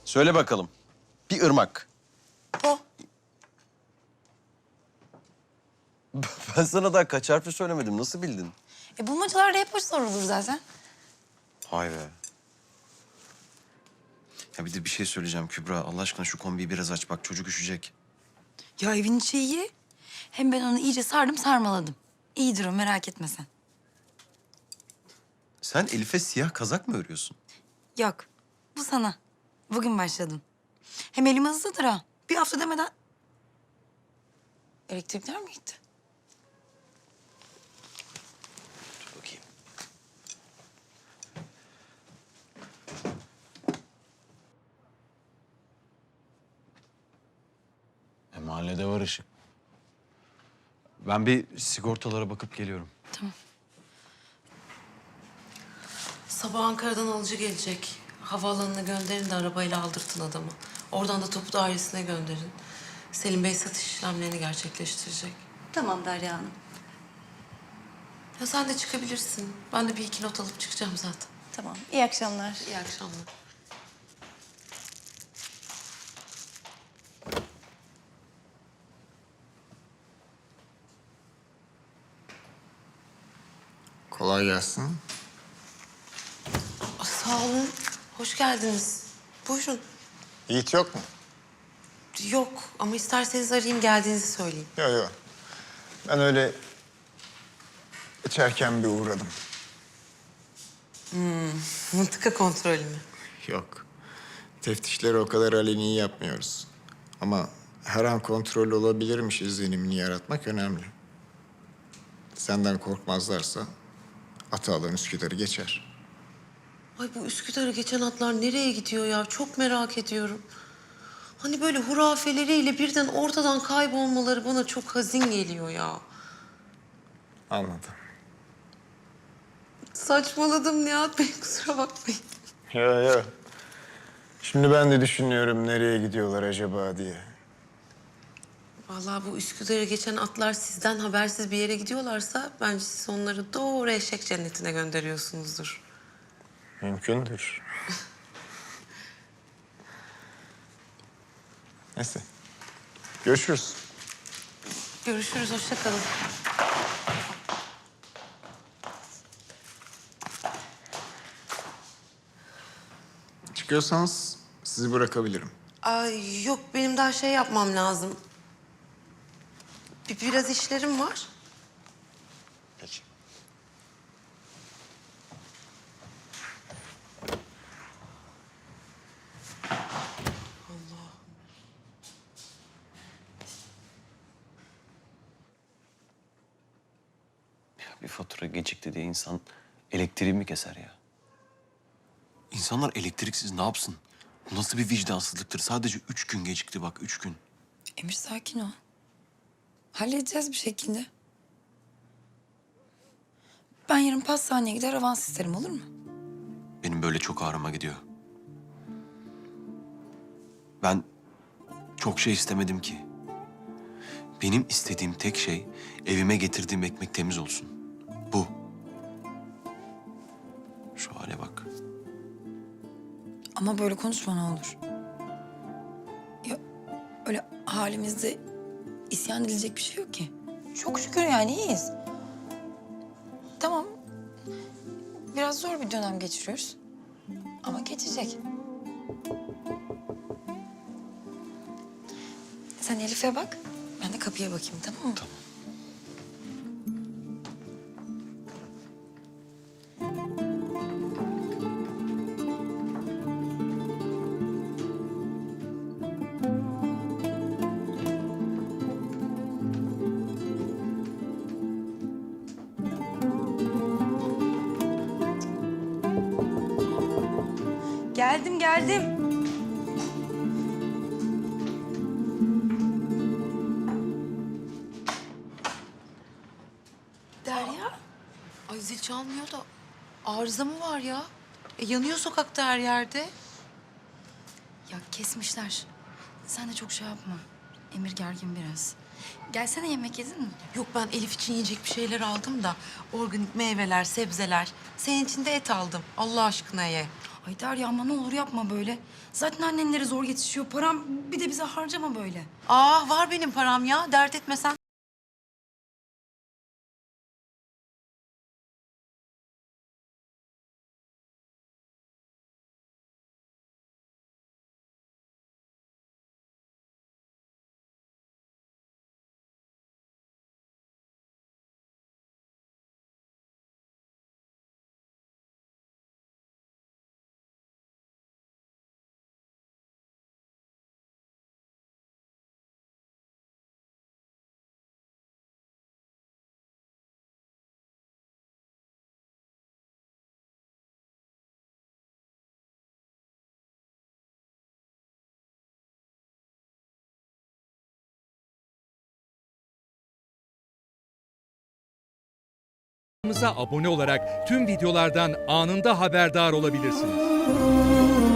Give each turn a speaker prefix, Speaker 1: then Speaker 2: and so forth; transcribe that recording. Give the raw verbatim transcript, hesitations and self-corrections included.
Speaker 1: Söyle bakalım. Bir ırmak.
Speaker 2: Po.
Speaker 1: Ben sana daha kaç harfi söylemedim. Nasıl bildin?
Speaker 2: E bulmacalarda hep o sorulur zaten.
Speaker 1: Hay be. Ya bir de bir şey söyleyeceğim Kübra. Allah aşkına şu kombiyi biraz aç. Bak çocuk üşüyecek.
Speaker 2: Ya evin içi iyi. Hem ben onu iyice sardım sarmaladım. İyidir o, merak etme sen.
Speaker 1: Sen Elif'e siyah kazak mı örüyorsun?
Speaker 2: Yok, bu sana. Bugün başladım. Hem elim hızlıdır ha. Bir hafta demeden... Elektrikler mi gitti?
Speaker 1: Dur bakayım.
Speaker 3: E, mahallede var ışık. Ben bir sigortalara bakıp geliyorum.
Speaker 2: Tamam.
Speaker 4: Sabah Ankara'dan alıcı gelecek. Havaalanına gönderin de arabayla aldırtın adamı. Oradan da topu dairesine gönderin. Selim Bey satış işlemlerini gerçekleştirecek.
Speaker 5: Tamam Derya Hanım.
Speaker 4: Ya sen de çıkabilirsin. Ben de bir iki not alıp çıkacağım zaten.
Speaker 5: Tamam. İyi akşamlar.
Speaker 4: İyi akşamlar.
Speaker 6: Kolay gelsin.
Speaker 4: Aa, sağ olun. Hoş geldiniz. Buyurun.
Speaker 6: Yiğit yok mu?
Speaker 4: Yok ama isterseniz arayayım geldiğinizi söyleyeyim.
Speaker 6: Yok yok. Ben öyle içerken bir uğradım.
Speaker 4: Mıntıka kontrolü mü?
Speaker 6: Yok. Teftişleri o kadar aleni yapmıyoruz. Ama her an kontrol olabilirmiş izlenimini yaratmak önemli. Senden korkmazlarsa atı alan Üsküdar'ı geçer.
Speaker 4: Ay bu Üsküdar'ı geçen atlar nereye gidiyor ya? Çok merak ediyorum. Hani böyle hurafeleriyle birden ortadan kaybolmaları bana çok hazin geliyor ya.
Speaker 6: Anladım.
Speaker 4: Saçmaladım Nihat Bey, kusura bakmayın.
Speaker 6: Yok yok. Şimdi ben de düşünüyorum nereye gidiyorlar acaba diye.
Speaker 4: Vallahi bu Üsküdar'ı geçen atlar sizden habersiz bir yere gidiyorlarsa... ...bence siz onları doğru eşek cennetine gönderiyorsunuzdur.
Speaker 6: Mümkündür. Neyse. Görüşürüz.
Speaker 4: Görüşürüz, hoşça kalın.
Speaker 6: Çıkıyorsanız sizi bırakabilirim.
Speaker 4: Ay yok, benim daha şey yapmam lazım. Bir, biraz işlerim var.
Speaker 6: Peki.
Speaker 1: Ya bir fatura gecikti diye insan elektriği mi keser ya? İnsanlar elektriksiz ne yapsın? Bu nasıl bir vicdansızlıktır? Sadece üç gün gecikti bak, üç gün.
Speaker 2: Emir sakin ol. Halledeceğiz bir şekilde. Ben yarın pastaneye gider avans isterim, olur mu?
Speaker 1: Benim böyle çok ağrıma gidiyor. Ben çok şey istemedim ki. Benim istediğim tek şey evime getirdiğim ekmek temiz olsun. Bu. Şu hale bak.
Speaker 2: Ama böyle konuşma ne olur. Ya öyle halimizde isyan edilecek bir şey yok ki. Çok şükür yani iyiyiz. Tamam. Biraz zor bir dönem geçiriyoruz. Ama geçecek. Sen Elif'e bak. Ben de kapıya bakayım, tamam mı?
Speaker 1: Tamam.
Speaker 2: Geldim, geldim.
Speaker 4: Derya. Ay zil çalmıyor da arıza mı var ya? E, yanıyor sokakta her yerde.
Speaker 2: Ya kesmişler. Sen de çok şey yapma. Emir gergin biraz. Gelsene, yemek yedin mi?
Speaker 4: Yok, ben Elif için yiyecek bir şeyler aldım da... ...organik meyveler, sebzeler. Senin için de et aldım. Allah aşkına ye.
Speaker 2: Ay Derya ama ne olur yapma böyle. Zaten annenlere zor yetişiyor. Param bir de bize harcama böyle.
Speaker 4: Aa var benim param ya, dert etme sen.
Speaker 7: Kanalımıza abone olarak tüm videolardan anında haberdar olabilirsiniz.